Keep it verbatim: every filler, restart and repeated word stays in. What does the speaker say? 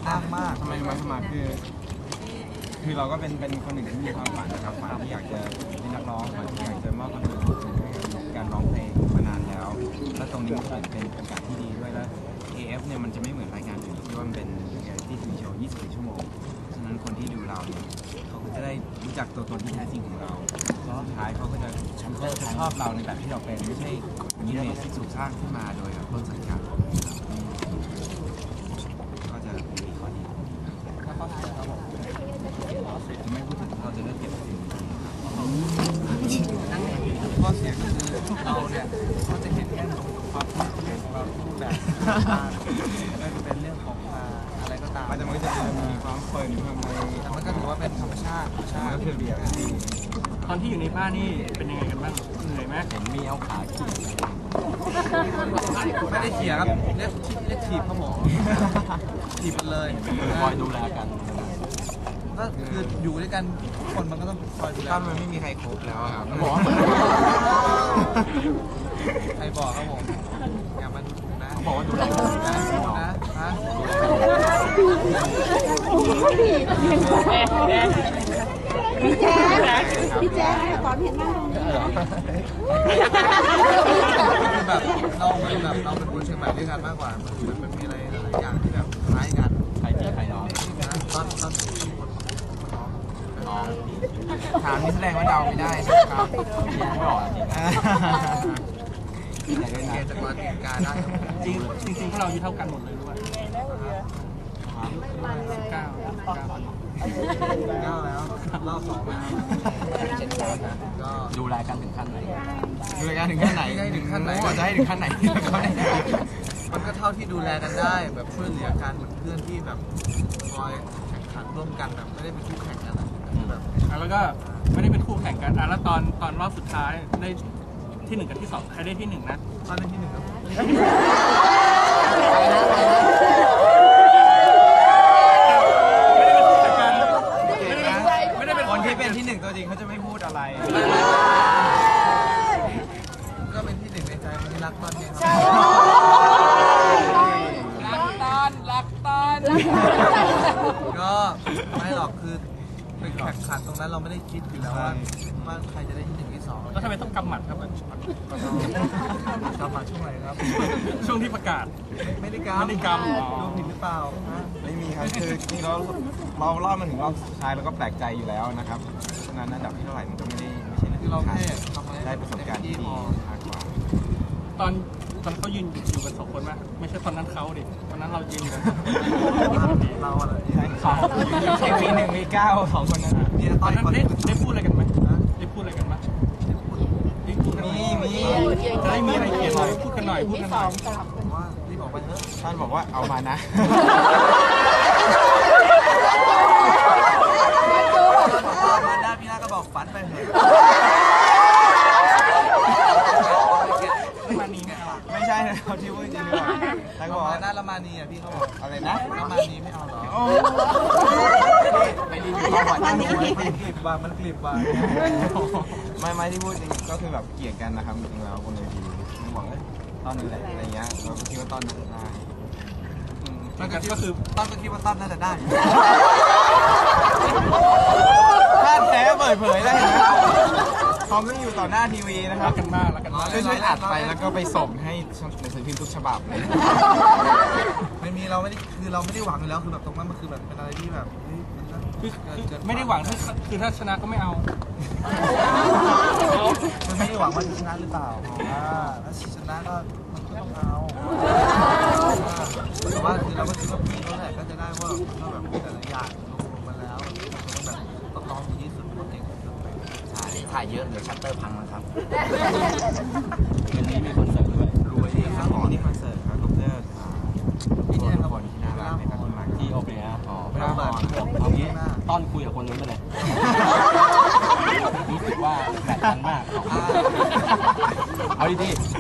อ้างมากทำไมมาสมัครคือคือเราก็เป็นเป็นคนหนึ่งที่มีความฝันนะครับฝันที่อยากจะเป็นนักร้องฝันที่อยากจะมอบความสุขให้การร้องเพลงมานานแล้วแล้วตรงนี้มันเป็นโอกาสที่ดีด้วยแล้ว เอ เอฟ เนี่ยมันจะไม่เหมือนรายการอื่นที่ว่ามันเป็นเรียลลิตี้ทีวีโชว์ยี่สิบสี่ชั่วโมงฉะนั้นคนที่ดูเราเนี่ยเขาก็จะได้รู้จักตัวตนที่แท้จริงของเราแล้วสุดท้ายเขาก็จะจะชอบเราในแบบที่เราเป็นไม่ใช่อิมเมจที่ถูกสร้างขึ้นมาโดยแบบต้นสังกัดก็จะมีข้อดีจะไม่พูดถึงเราจะเลือกเก็บสิ่งดีข้อเสียก็คือเราเนี่ยก็จะเห็นแค่ความเรื่องของเราที่รูปแบบเป็นเรื่องของอะไรก็ตามแต่มันก็จะมีความเฟิร์นความอะไรแต่มันก็ถือว่าเป็นธรรมชาติใช่เพื่อเบียร์ตอนที่อยู่ในบ้านนี่เป็นยังไงกันบ้างเหนื่อยไหมเห็นมีเอาขาขี่ไม่ได้เขี่ยครับเรียกเรียกถีบครับผมถีบกันเลยคอยดูแลกันก็คืออยู่ด้วยกันคนมันก็ต้องคอยดูแลถ้ามันไม่มีใครครบแล้วครับบอกใครบอกครับผมอย่ามาดูนะบอกว่าดูแลกันนะนะฮะพี่แจ๊คพี่แจ๊คตอนเห็นหน้าแบบเราเป็นแบบเราเป็นคนเชียงใหม่ด้วยกันมากกว่ามันมันมีอะไรหลายอย่างที่แบบคล้ายกันใครพี่ใครน้องตอนตอนน้องถามนี่แสดงว่าเดาไม่ได้ใช่ไหมครับไม่บอกจริงๆเกณฑ์จากวันการได้จริงจริงๆพวกเราอายุเท่ากันหมดเลยด้วยสิบเก้าเก้าเก้าแล้วรอบสองแล้วเจ็ดคนนะก็ดูแลกันถึงขั้นไหนดูแลกันถึงขั้นไหนถึงขั้นไหนจะให้ถึงขั้นไหนมันก็เท่าที่ดูแลกันได้แบบช่วยเหลือกันเหมือนเพื่อนที่แบบคอยแข่งขันร่วมกันแบบไม่ได้เป็นคู่แข่งกันแบบแล้วก็ไม่ได้เป็นคู่แข่งกันอ่ะแล้วตอนตอนรอบสุดท้ายได้ที่หนึ่งกับที่สองใครได้ที่หนึ่งนะตอนได้ที่หนึ่งครับคนที่เป็นที่หนึ่งตัวจริงเขาจะไม่พูดอะไรก็เป็นที่หนึ่งในใจคนที่รักตอนนี้รักตอนรักตอนก็ไม่หรอกคือเป็นแข่งขันตรงนั้นเราไม่ได้คิดอยู่แล้วว่าว่าใครจะได้ที่หนึ่งที่สองแล้วทำไมต้องกำหมัดครับกำหมัดช่วงไหนครับช่วงที่ประกาศไม่ได้กำไม่ได้กำดูผิดหรือเปล่าไม่มีครับคือจริงๆเราเรารอบมาถึงรอบสุดท้ายเราก็แปลกใจอยู่แล้วนะครับฉะนั้นอันดับที่เท่าไหร่มันก็ไม่ได้ไม่ใช่เรื่องที่เราแค่ได้ประสบการณ์ที่ดีมากกว่าตอนตอนเขายืนอยู่กันสองคนไหมไม่ใช่ตอนนั้นเขาดิตอนนั้นเรายืนกันเราอะไรใช่เขาใช่มีหนึ่งมีเก้าสองคนนั้นตอนนั้นได้ได้พูดอะไรกันไหมได้พูดอะไรกันไหมมีมีจะได้มีอะไรเกี่ยวพูดกันหน่อยพูดกันหน่อยว่าที่บอกไปเถอะท่านบอกว่าเอามานะมาหน้าพี่หน้าก็บอกฝันไปเถอะมานีไม่เอาไม่ใช่เขาที่พูดจริงหรือเปล่าแล้วก็บอกหน้าละมานีอ่ะพี่เขาบอกอะไรนะละมานีไม่เอาหรอไปรีวิวประวัติมันกลิบว่ะมันกลิบว่ะไม่ไม่ที่พูดจริงก็คือแบบเกลียดกันนะครับจริงๆแล้วคนในทีมบอกว่าตอนนั้นแหละอะไรเงี้ยเราก็คิดว่าตอนนั้นได้มันก็คือตอนก็คิดว่าตอนน่าจะได้ถ้าแท้เปิดเผยได้นะเขาไม่อยู่ต่อหน้าทีวีนะครับรักกันมากรักกันมากช่วยอัดไปแล้วก็ไปส่งให้หนังสือพิมพ์ทุกฉบับเลยไม่มีเราไม่ได้คือเราไม่ได้หวังอยู่แล้วคือแบบตรงนั้นมันคือแบบเป็นอะไรที่แบบไม่ได้หวังคือถ้าชนะก็ไม่เอามันไม่ได้หวังว่าจะชนะหรือเปล่าถ้าชนะก็มันก็ต้องเอาแต่ว่าคือเราก็คิดว่าพี่เขาแหละก็จะได้ว่าก็แบบแต่ละอย่างลงมาแล้วแบบต้องลองดีที่สุดเพราะเก่งใช่ถ่ายเยอะเดี๋ยวชัตเตอร์พังนะครับวันนี้มีคอนเสิร์ตด้วยรวยดีครับนี่คอนเสิร์ตครับก็เพื่อที่นี่ทุกคนที่น่ารักในการมาที่โอเปร่าอ๋อไม่ต้องบอกเอางี้ต้อนคุยกับคนนู้นไปเลยรู้สึกว่าแตกต่างมากเอาดีๆ